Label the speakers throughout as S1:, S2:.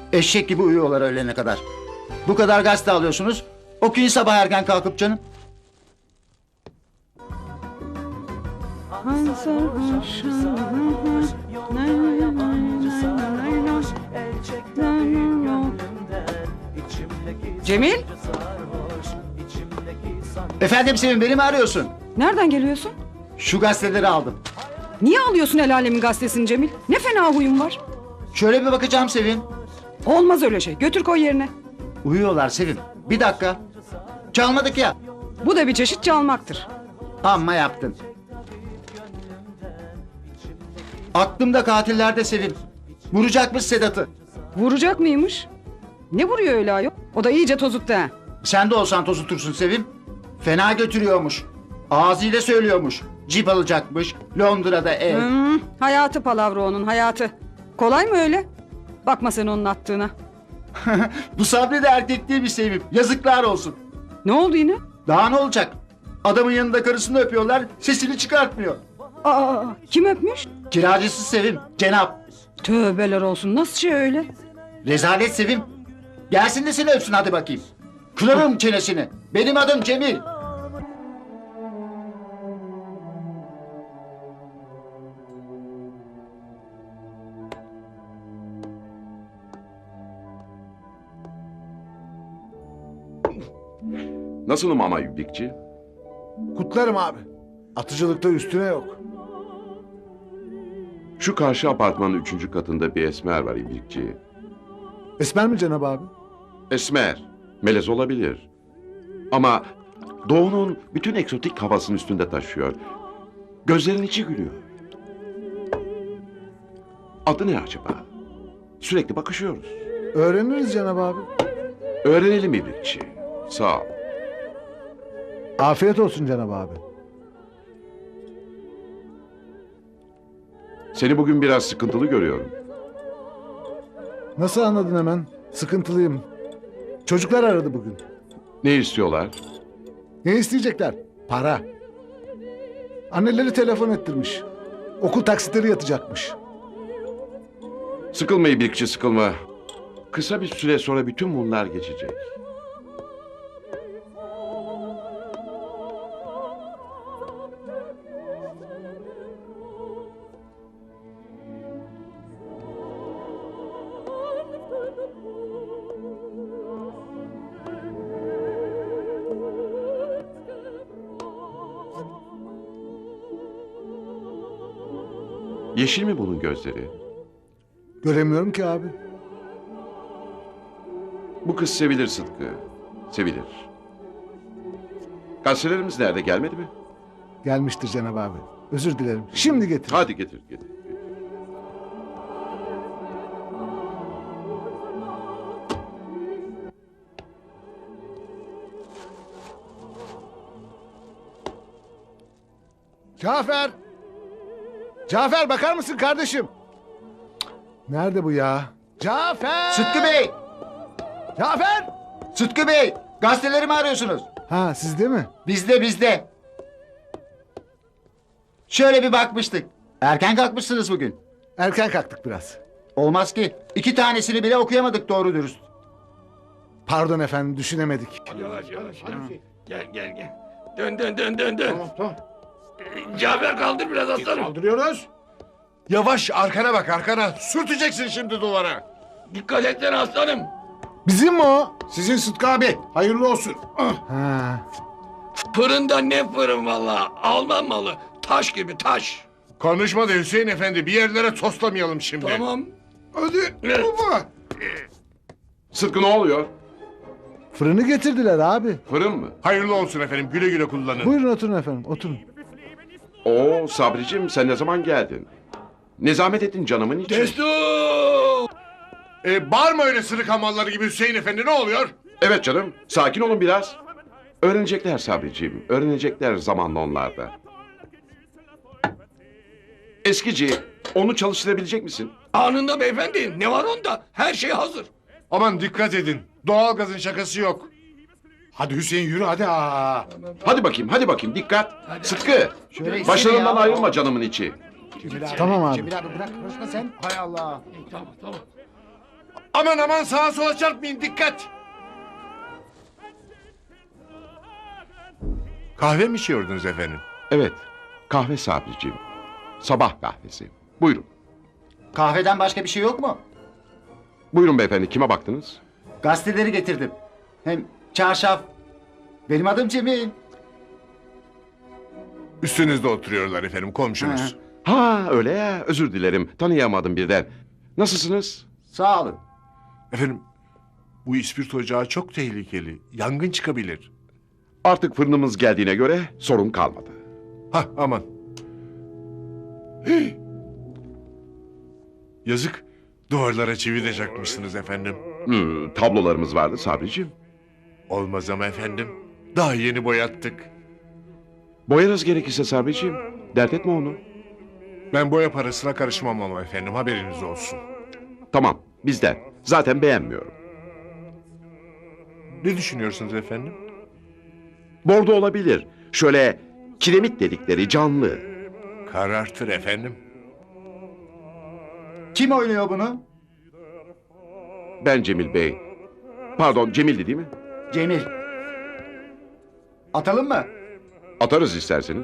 S1: Eşek gibi uyuyorlar öğlene kadar. Bu kadar gazete alıyorsunuz. Okuyun sabah erken kalkıp canım.
S2: Cemil,
S1: Efendim Sevim, beni mi arıyorsun?
S2: nereden geliyorsun?
S1: Şu gazeteleri aldım.
S2: Niye alıyorsun el alemin gazetesini Cemil? Ne fena huyun var.
S1: Şöyle bir bakacağım Sevim.
S2: Olmaz öyle şey. Götür koy yerine.
S1: Uyuyorlar Sevim. Bir dakika. Çalmadık ya.
S2: Bu da bir çeşit çalmaktır.
S1: Amma yaptın. Aklımda katillerde Sevim. Vuracakmış Sedat'ı.
S2: Vuracak mıymış? Ne vuruyor öyle ayol? O da iyice tozuttu ha.
S1: Sen de olsan tozutursun Sevim. Fena götürüyormuş. Ağzıyla söylüyormuş. Cip alacakmış. Londra'da ev.
S2: Hayatı palavra onun hayatı. Kolay mı öyle? Bakma sen onun attığına.
S1: Bu Sabri de erkek değil mi Sevim? Yazıklar olsun.
S2: Ne oldu yine?
S1: Daha ne olacak? Adamın yanında karısını öpüyorlar. Sesini çıkartmıyor.
S2: Aa, kim öpmüş?
S1: Kiracısı Sevim. Cenap.
S2: Tövbeler olsun. Nasıl şey öyle?
S1: Rezalet Sevim. Gelsin de seni öpsün hadi bakayım. Kırarım çenesini. Benim adım Cemil.
S3: Nasılım ama İbrikçi?
S4: Kutlarım abi. Atıcılıkta üstüne yok.
S3: Şu karşı apartmanın 3. katında bir esmer var İbrikçi.
S4: Esmer mi Cenab abi?
S3: Esmer, melez olabilir. Ama doğunun bütün eksotik havasını üstünde taşıyor. Gözlerin içi gülüyor. Adı ne acaba? Sürekli bakışıyoruz.
S4: Öğreniriz Cenab abi.
S3: Öğrenelim İbrikçi. Sağ ol.
S4: Afiyet olsun Cenab abi.
S3: Seni bugün biraz sıkıntılı görüyorum.
S4: Nasıl anladın hemen? Sıkıntılıyım. Çocuklar aradı bugün.
S3: Ne istiyorlar?
S4: Ne isteyecekler? Para. Anneleri telefon ettirmiş. Okul taksitleri yatacakmış.
S3: Sıkılma İbrikçi, sıkılma. Kısa bir süre sonra bütün bunlar geçecek. Yeşil mi bunun gözleri?
S4: Göremiyorum ki abi.
S3: Bu kız sevilir Sıtkı. Sevilir. Gazetelerimiz nerede, gelmedi mi?
S4: Gelmiştir Cenab abi. Özür dilerim. Şimdi getir.
S3: Hadi getir, getir.
S4: Cafer! Cafer bakar mısın kardeşim? Nerede bu ya? Cafer!
S1: Sıtkı Bey!
S4: Cafer!
S1: Sıtkı Bey! Gazeteleri mi arıyorsunuz?
S4: Ha sizde mi?
S1: Bizde. Şöyle bir bakmıştık. Erken kalkmışsınız bugün.
S4: Erken kalktık biraz.
S1: Olmaz ki. 2 tanesini bile okuyamadık doğru dürüst.
S4: Pardon efendim düşünemedik.
S5: Yavaş yavaş. Gel. Dön. Tamam. Cafer kaldır biraz aslanım.
S6: Kaldırıyoruz. Yavaş arkana bak arkana. Sürteceksin şimdi duvara.
S5: Dikkat etsene aslanım.
S4: Bizim mi o?
S6: Sizin Sıtkı abi. Hayırlı olsun.
S4: Ha.
S5: Fırında ne fırın valla. Alman malı. Taş gibi taş.
S6: Konuşma da Hüseyin efendi. Bir yerlere toslamayalım şimdi.
S5: Tamam.
S6: Hadi
S5: Evet.
S6: baba.
S3: Sıtkı ne oluyor?
S4: Fırını getirdiler abi.
S3: Fırın mı?
S6: Hayırlı olsun efendim. Güle güle kullanın.
S4: Buyurun oturun efendim oturun.
S3: Oo Sabricim, sen ne zaman geldin? Ne zahmet ettin canımın için.
S5: Destur.
S6: Bağırma öyle sırık hamalları gibi Hüseyin efendi. Ne oluyor?
S3: Evet canım, sakin olun biraz. Öğrenecekler Sabricim, öğrenecekler zamanla onlar da. Eskici, onu çalıştırabilecek misin?
S5: Anında beyefendi. Ne var onda? Her şey hazır.
S6: Aman dikkat edin. Doğalgazın şakası yok. Hadi Hüseyin yürü hadi. Aa.
S3: Hadi bakayım, dikkat. Sıtkı, başlarından ayrılma canımın içi.
S4: Tamam abi.
S1: Cemil abi bırak konuşma sen. Hay Allah.
S5: Tamam.
S6: Aman aman sağa sola çarpmayın dikkat. Kahve mi içiyordunuz efendim?
S3: Evet, kahve Sabri'ciğim. Sabah kahvesi. Buyurun.
S1: Kahveden başka bir şey yok mu?
S3: Buyurun beyefendi, kime baktınız?
S1: Gazeteleri getirdim. Hem çarşaf. Benim adım Cemil.
S6: Üstünüzde oturuyorlar efendim komşunuz.
S3: Ha öyle ya, özür dilerim. Tanıyamadım birden. Nasılsınız?
S1: Sağ olun.
S6: Efendim bu ispirto ocağı çok tehlikeli. Yangın çıkabilir.
S3: Artık fırınımız geldiğine göre sorun kalmadı.
S6: Hah aman. Hih! Yazık. Duvarlara çivi de çakmışsınız efendim.
S3: Tablolarımız vardı Sabri'ciğim.
S6: Olmaz ama efendim. Daha yeni boyattık.
S3: Boyarız gerekirse Sabri'ciğim. Dert etme onu.
S6: Ben boya parasına karışmam ama efendim haberiniz olsun.
S3: Tamam, bizden. Zaten beğenmiyorum.
S6: Ne düşünüyorsunuz efendim?
S3: Bordo olabilir. Şöyle kiremit dedikleri canlı.
S6: Karartır efendim.
S1: Kim oynuyor bunu?
S3: Ben Cemil Bey. Pardon, Cemil'di değil mi?
S1: Cemil. Atalım mı?
S3: Atarız isterseniz.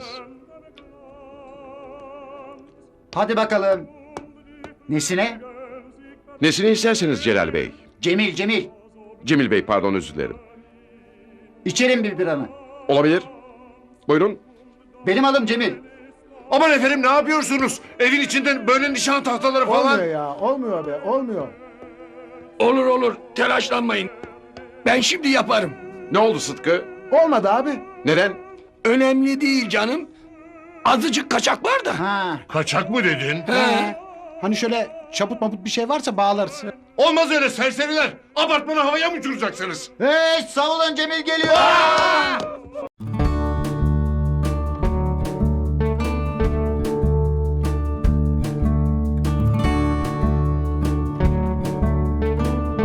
S1: Hadi bakalım. Nesine?
S3: Nesini isterseniz Celal Bey.
S1: Cemil, Cemil.
S3: Cemil Bey pardon, özür dilerim.
S1: İçerim bir biranı.
S3: Olabilir. Buyurun.
S1: Benim adım Cemil.
S6: Aman efendim ne yapıyorsunuz? Evin içinde böyle nişan tahtaları falan.
S4: Olmuyor ya. Olmuyor be. Olmuyor.
S5: Olur olur telaşlanmayın. Ben şimdi yaparım.
S3: Ne oldu Sıtkı?
S4: Olmadı abi.
S3: Neden?
S5: Önemli değil canım. Azıcık kaçak var da.
S1: Ha.
S6: Kaçak mı dedin?
S5: He.
S7: Hani şöyle çaput maput bir şey varsa bağlarız.
S6: Olmaz öyle serseriler. Apartmanı havaya mı uçuracaksınız?
S1: Hey, savunun Cemil geliyor.